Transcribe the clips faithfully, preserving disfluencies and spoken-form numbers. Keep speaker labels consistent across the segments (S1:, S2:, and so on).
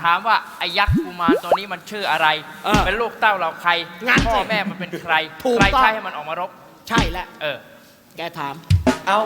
S1: ามว่าไอ้ยักษ์กุมารตัวนี้มันชื่ออะไร
S2: เออ
S1: เป็นลูกเต้าเราใคร
S2: งั้นสิ
S1: พ่อแม่มันเป็นใคร
S2: ถูก
S1: ใคร
S2: ต้อง
S1: ใช่ให้มันออกมารบ
S2: ใช่แล้ว
S1: เออ
S2: แกถาม
S3: เอา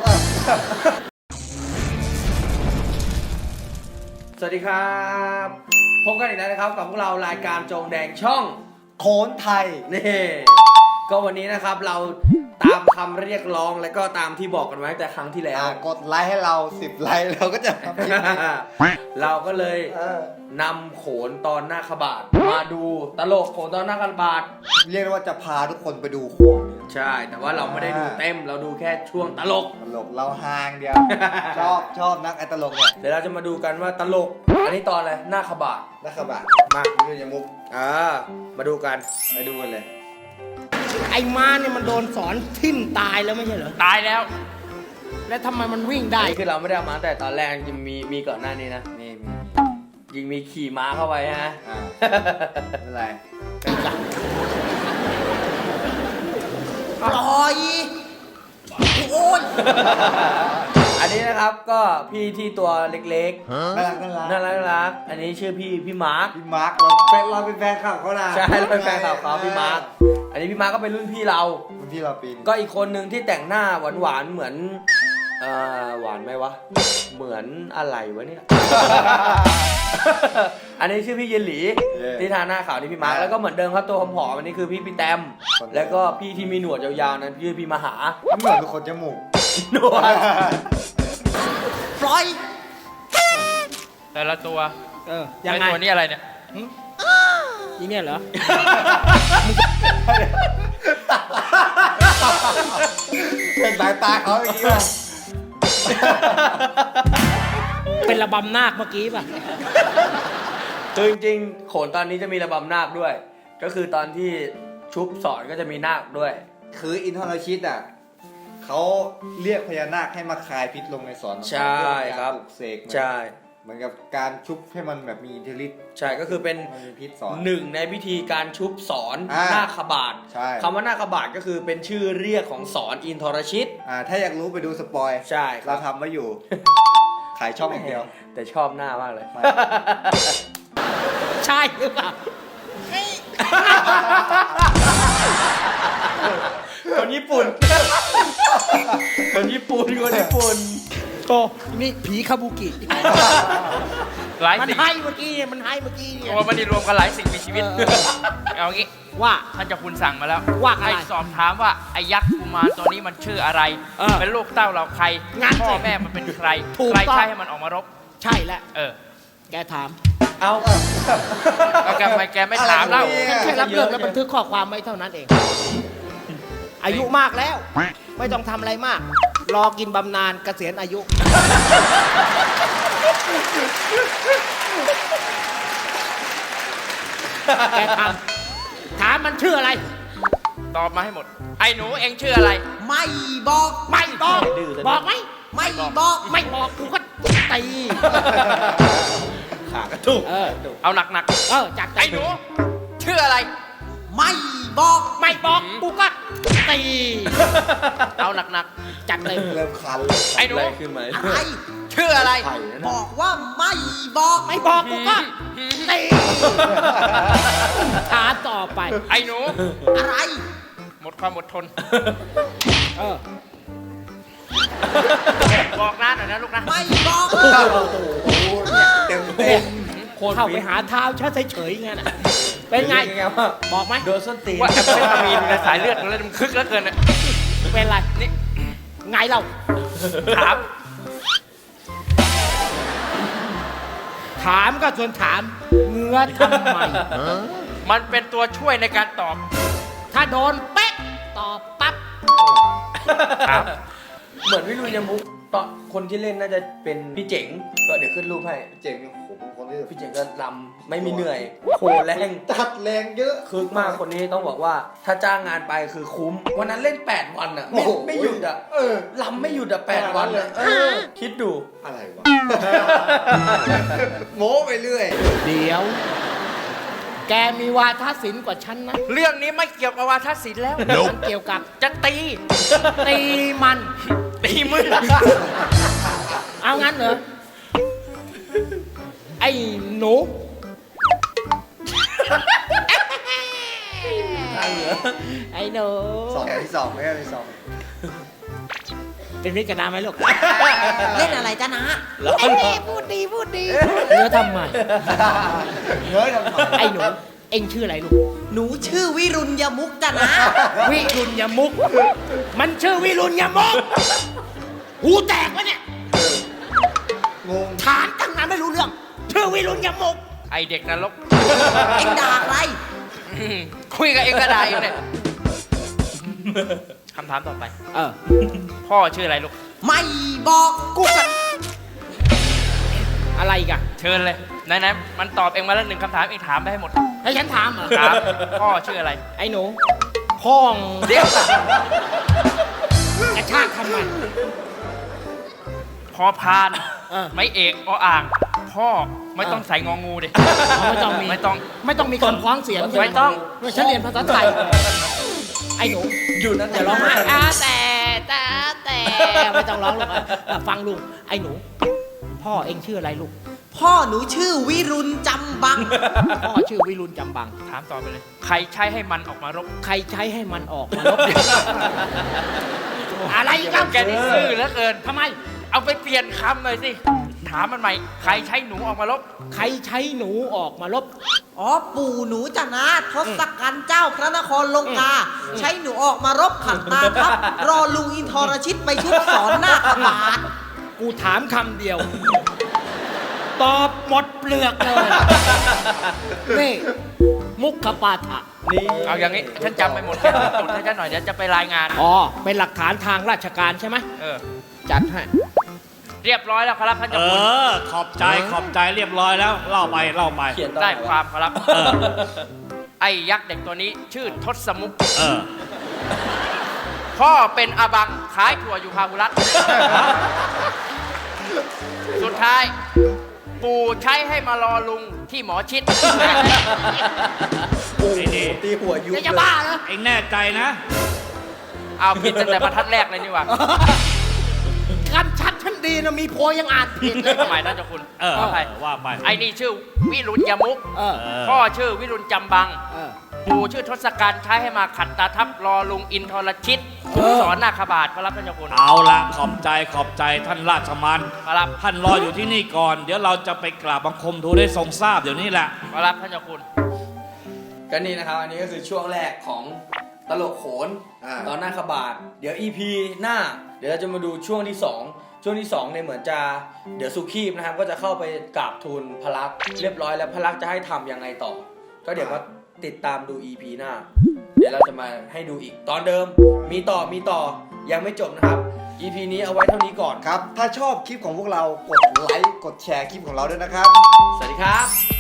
S3: สวัสดีครับพบกันอีกแล้วนะครับกับพวกเรารายการจงแดงช่อง
S4: โขนไทย
S3: นี่ก็วันนี้นะครับเราตามคำเรียกร้องและก็ตามที่บอกกันไว้แต่ครั้งที่แล้ว
S4: อ่ากดไลค์ให้เราสิบไลค์เราก็จะทำคลิปนี้
S3: เราก็เลย
S4: เออน
S3: ำโขนตอนหน้าขบาทมาดูตลกโขนตอนหน้าขบาท
S4: เรียกได้ว่าจะพาทุกคนไปดูโขนเนี่ย
S3: ใช่ แต่ว่าเราไม่ได้ดูเต็มเราดูแค่ช่วงตลก
S4: ตลกเราฮางเดียว ชอบชอบนักไอ้ตลกเนี่ย
S3: เดี๋ยวเราจะมาดูกันว่าตลก อันนี้ตอนอะไรหน้าขบาท
S4: นักขบะ
S3: มา
S4: นี่ยมุก
S3: อ่ามาดูกัน
S4: ไปดูกันเลย
S2: ไอ้ม้าเนี่ยมันโดนสอนทิ่มตายแล้วไม่ใช่เหรอ
S1: ตายแล้ว
S2: แล้วทำไมมันวิ่ง
S3: อั
S2: ได้
S3: นนี้คือเราไม่ได้เอามาแต่ตอนแรกจริงมีมีก่อนหน้านี้นะ
S4: นี่มี
S3: ยิงมีขี่ม้าเข้าไปฮะ
S4: อ่าไม่เป็นไร
S2: ปล่อยโอ้ย
S3: อันนี้นะครับก็พี่ที่ตัวเล็ก
S4: น่ารักน่ารัก
S3: ๆน่ารักน่ารักอันนี้ชื่อพี่พี่มาร์ค
S4: พี่มาร์คเราเป็นเราเป็นแฟนคลับเขานะ
S3: ใช่เราเป็นแฟนคลับเขาพี่มาร์คอันนี้พี่มาร์คก็เป็นรุ่นพี่เรา
S4: รุ่นพี่เราปีน
S3: ก็อีกคนหนึ่งที่แต่งหน้าหวานหวานๆเหมือนเอ่อหวานไหมวะเหมือนอะไรวะเนี่ย อันนี้ชื่อพี่เยนหลีที่ทาหน้าขาวนี่พี่มาร์คแล้วก็เหมือนเดิมครับตัวผอมๆอันนี้คือพี่พี่แตมแล้วก็พี่ที่มีหนวดยาวๆนั้นพี่พี่มหา
S4: เหมือนเป็นคนจมูก
S3: หนวด
S2: ปล่อย
S1: แต่ละตัว
S2: เออยังไง
S1: ไอ้ตัวนี้อะไรเนี่ย
S2: อีเนี่ยเหรอ
S4: เป็นสายตาเขาอย่างนี้ป่ะ
S2: เป็นระบำนาคเมื่อกี้ป่ะ
S3: คือจริงๆโขนตอนนี้จะมีระบำนาคด้วย ก็คือตอนที่ชุบสอนก็จะมีนาคด้วย
S4: คืออินทรชิตอ่ะเขาเรียกพญานาคให้มาคายพิษลงในสอน
S3: ใช่ครับ
S4: ปลุกเสกมัน
S3: ใช่
S4: เหมือนกับการชุบให้มันแบบมีอิทธิฤทธิ์
S3: ใช่ก็คือเป็น
S4: มันมีพิษสอน
S3: หนึ่งในพิธีการชุบสอน
S4: อ่า
S3: นาคบาท
S4: ใช่
S3: คำว่านาคบาทก็คือเป็นชื่อเรียกของสอนอินทรชิต
S4: อ่าถ้าอยากรู้ไปดูสปอย
S3: ใช่ค
S4: เรา
S3: รับ
S4: ทำไว้อยู่ ขายช่องอย่างเดียว
S3: แต่ชอบหน้ามากเลย
S4: ไม่
S2: ใช่หรือเปล่า
S3: คนญี่ปุ่น คนญี่ปุ่นคนญี่ปุ่น
S2: โตนี่ผีคาบุกิ
S1: หลาย
S2: มัน
S1: สิ่ง
S2: ให้เมื่อกี้เนี่ยมันให้เมื่อกี้เนี่ย
S1: ตัวมันนี่รวมกันหลายสิ่งมีชีวิต
S2: เออ
S1: เอางี้
S2: ว่า
S1: ท่านเจ้าคุณสั่งมาแล้ว
S2: ว่าอะไร
S1: ให้สอบถามว่าไอ้ยักษ์กุมารตัวนี้มันชื่ออะไร
S2: เออ
S1: เป็นลูกเต้าเราใคร
S2: งั้นสิ
S1: พ่อแม่มันเป็นใคร
S2: ถูก
S1: ใคร
S2: ต้อง
S1: ใช่ให้มันออกมารบ
S2: ใช่แล้ว
S1: เออ
S2: แกถาม
S3: เอา
S1: แล้วแกทำไมแกไม่ถามเล่า
S4: อะไร
S2: แค่รับเรื่องแล้วบันทึกข้อความไว้เท่านั้นเอง อายุมากแล้ว ไม่ต้องทำอะไรมาก รอกินบำนาญเกษียณอายุ แกถามถามมันชื่ออะไร
S1: ตอบมาให้หมด ไอ้หนูเองชื่ออะไร
S2: ไม่บอก ไม่บอก
S3: ดื้อซะด้วย
S2: บอกไหม ไม่บอก ไม่บอกกูก็ตี
S3: ขากระตุก
S2: เออ
S1: เอาหนัก
S2: เออจาก
S1: ๆ
S2: ใจ
S1: ไอ้หนู ชื่ออะไร
S2: ไม่บอก ไม่บอกกูก็ตี
S1: เอาหนัก
S2: จัดเลย
S4: เริ่มคันเลย
S1: ๆ ไอ้หนู
S3: อะไรขึ้นมา
S2: อะไร
S1: ชื่ออะไร
S3: ไข่นะ
S2: บอกว่าไม่บอก ไม่บอกกูก็ตีถามต่อไป
S1: ไอ้หนู
S2: อะไร
S1: หมดความอดทน
S2: เออ
S1: บอกน้าหน่อยนะลูกนะ
S2: ไม่บอก
S4: โอ้โหเนี่ยเต็มเต็ม
S3: โคตร
S2: เข้าไป
S3: ฟิต
S2: หาเท้าเฉยเฉยๆงั้นน่ะเป็นไง
S3: เป็นไงวะ
S2: บอกไหม
S3: โดนส้นตีน
S1: ว่าแอมเฟตามีนในสายเลือดมันเลยมันคึกแล้วเกินอ่ะ
S2: เป็นไร
S1: นี่
S2: ไงเรา
S1: ถาม
S2: ถามก็ส่วนถามเงื้อทำไม
S1: มันเป็นตัวช่วยในการตอบ
S2: ถ้าโดนเป๊ะตอบปั๊บ
S1: ถาม
S3: เหมือนวิรุยมุกตอนคนที่เล่นน่าจะเป็นพี่เจ๋งก็เดี๋ยวขึ้นรูปให้
S4: เจ๋งโอ้โหเป็นคนที่
S3: พี่เจ๋งก็ลำไม่มีเหนื่อยโคแรง
S4: จัดแรงเยอะ
S3: คึกมากคนนี้ต้องบอกว่า ถ้าจ้างงานไปคือคุ้ม วันนั้นเล่นแปดวันอ่ะ ไม่ไม่หยุดอ่ะ
S4: เออ
S3: ลำไม่หยุดอ่ะแปดวันอ่ะเออคิดดู
S4: อะไรวะ โม้ไปเรื่อย
S2: เดี๋ยว แกมีวาทศิลป์กว่าฉันนะ
S1: เรื่องนี้ไม่เกี่ยวกับวาทศิลป์แล้ว
S2: มันเกี่ยวกับ
S1: จะตี
S2: ตีมัน
S1: ตีมือ
S2: เอางั้นเหรอ ไอ้หนู
S3: ข้างเหนือ
S2: ไอ้หนู
S4: สองที่สองไม่ใช่ที่สอง
S2: เป็นมิตรกับน้าไหมลูก
S5: เล่นอะไรจ้านะ
S3: แล้ว
S2: ไอ้นี่พูดดีพูดดีเนื้อทำไม
S4: เฮ้ยทำไม
S2: ไอ้หนู เอ็งชื่ออะไรลูก
S5: หนูชื่อวิรุณยมุกจ้านะ
S2: วิรุณยมุก มันชื่อวิรุณยมุก หูแตกวะเนี่ย
S4: งง
S2: ถามตั้งนานไม่รู้เรื่อง ชื่อวิรุณยมุก
S1: ไอเด็กนรก
S5: เอ็งด่าอะไร
S1: อืมคุยกับเองก็ได้อยู่เนี่ยคำถามต่อไป
S2: เออ
S1: พ่อชื่ออะไรลูก
S5: ไม่บอกกูกัน
S2: อะไรอีกัน
S1: เชิญเลยไหนๆมันตอบเองมาแล้วหนึ่งคำถามเองถามไปให้หมด
S2: ให้ฉันถามเหรอ
S1: ถามพ่อชื่ออะไร
S2: ไอ้หนู พ่อง
S1: เดี๋ยว
S2: กระชากทำไม
S1: พอพาน
S2: เออ
S1: ไม่เอกออ่าง พ่อไม่ต้องใส่งองูดิ
S2: ไม่ต้องมี
S1: ไม่ต้อง
S2: ไม่ต้องมีคำคล้องเสียงใช่ห
S1: ไม่ต้อง
S2: ฉันเรียนภาษาไทย ไอ้หนู
S3: อยู่นั่น
S2: อย่าร้องไห้อ่าแต่แต่แต่ไม่ต้องร้องลูกอ่ะฟังลุงไอ้หนู พ่อเอ็งชื่ออะไรลูก
S5: พ่อหนูชื่อวิรุณจำบัง
S2: พ่อชื่อวิรุณจำบัง
S1: ถามต่อไปเลย ใครใช้ให้มันออกมารบ
S2: ใครใช้ให้มันออกมาลบ อะไรอีกัน
S1: แกนี่ซื่อเหลือเกิน
S2: ทำไม
S1: เอาไปเปลี่ยนคำหน่อยสิ ถามมันใหม่ ใครใช้หนูออกมารบ
S2: ใครใช้หนูออกมาลบ
S5: อ๋อปู่หนูจ้านะทศกัณฐ์เจ้าพระนครลงกา ใช้หนูออกมารบขัดตาทัพรอลุงอินทรชิตไปชุบสอนหน้าขบาท
S2: กูถามคำเดียว ตอบหมดเปลือกเลย นี่ มุขปาฐะ
S3: นี่
S1: เอาอย่างนี้ ฉันจำไปหมดแค่จดให้ฉันหน่อยเดี๋ยวจะไปรายงาน
S2: อ๋อ เป็นหลักฐานทางราชการใช่ไหม
S1: เออ
S2: จัดให้
S1: เรียบร้อยแล้วครับท่าน
S6: เอ
S1: เจ้าคุณ
S6: อ ขอบใจ ขอบใจเรียบร้อยแล้ว เล่าไป เล่าไป
S3: เขียนตอน
S1: ได้
S3: ไหน
S1: ความครับ
S6: เออ
S1: ไอ้ยักษ์เด็กตัวนี้ชื่อทศมุก
S6: เออ
S1: พ่อเป็นอาบังขายถั่วอยู่พาหุรัตน์สุดท้าย ปู่ใช้ให้มารอลุงที่หมอชิด
S3: โอ้โห
S6: นี่
S3: ตีหัวยุบ
S2: จะบ้าเหรอ
S6: เอ็งแน่ใจนะ
S1: เอาผิดตั้งแต่บรรทัดแรกเลยนี่หว่า
S2: กันชัดฉันดีนะ มีโพยยังอ่านผิดเลย
S1: ทำไมท่านเจ้าคุณ
S6: เออ
S1: ขออภัย
S6: ว่าไป
S1: ไอ้นี่ชื่อวิรุณยมุก
S2: เออ
S6: เออ
S1: พ่อชื่อวิรุณจำบัง
S2: เออ
S1: ปู่ชื่อทศกัณฐ์ใช้ให้มาขัดตาทับรอลุงอินทรชิต
S2: เออ
S1: สอนนาคบาทพระรับท่านเจ้าคุณ
S6: เอาละขอบใจ ขอบใจท่านราชมัน
S1: พระรับ
S6: ท่านรออยู่ที่นี่ก่อน เดี๋ยวเราจะไปกราบบังคมทูลได้ทรงทราบเดี๋ยวนี้แหละ
S1: พระรับท่านเจ้าคุณ
S3: ก็นี่นะครับ อันนี้ก็คือช่วงแรกของตลกโขน
S4: อ่า
S3: ตอนหน้าขบาท เดี๋ยว อี พี หน้า เดี๋ยวเราจะมาดูช่วงที่สองช่วงที่สองเนี่ยเหมือนจะเดี๋ยวสุขีบนะครับ ก็จะเข้าไปกราบทูลพระลักษมณ์เรียบร้อยแล้วพระลักษมณ์จะให้ทำยังไงต่อ ก็เดี๋ยวมาติดตามดู อี พี หน้า เดี๋ยวเราจะมาให้ดูอีกตอนเดิม มีต่อมีต่อยังไม่จบนะครับ อี พี นี้เอาไว้เท่านี้ก่อน
S4: ครับ ถ้าชอบคลิปของพวกเรา กดไลค์ กดแชร์คลิปของเราด้วยนะครับ
S3: สวัสดีครับ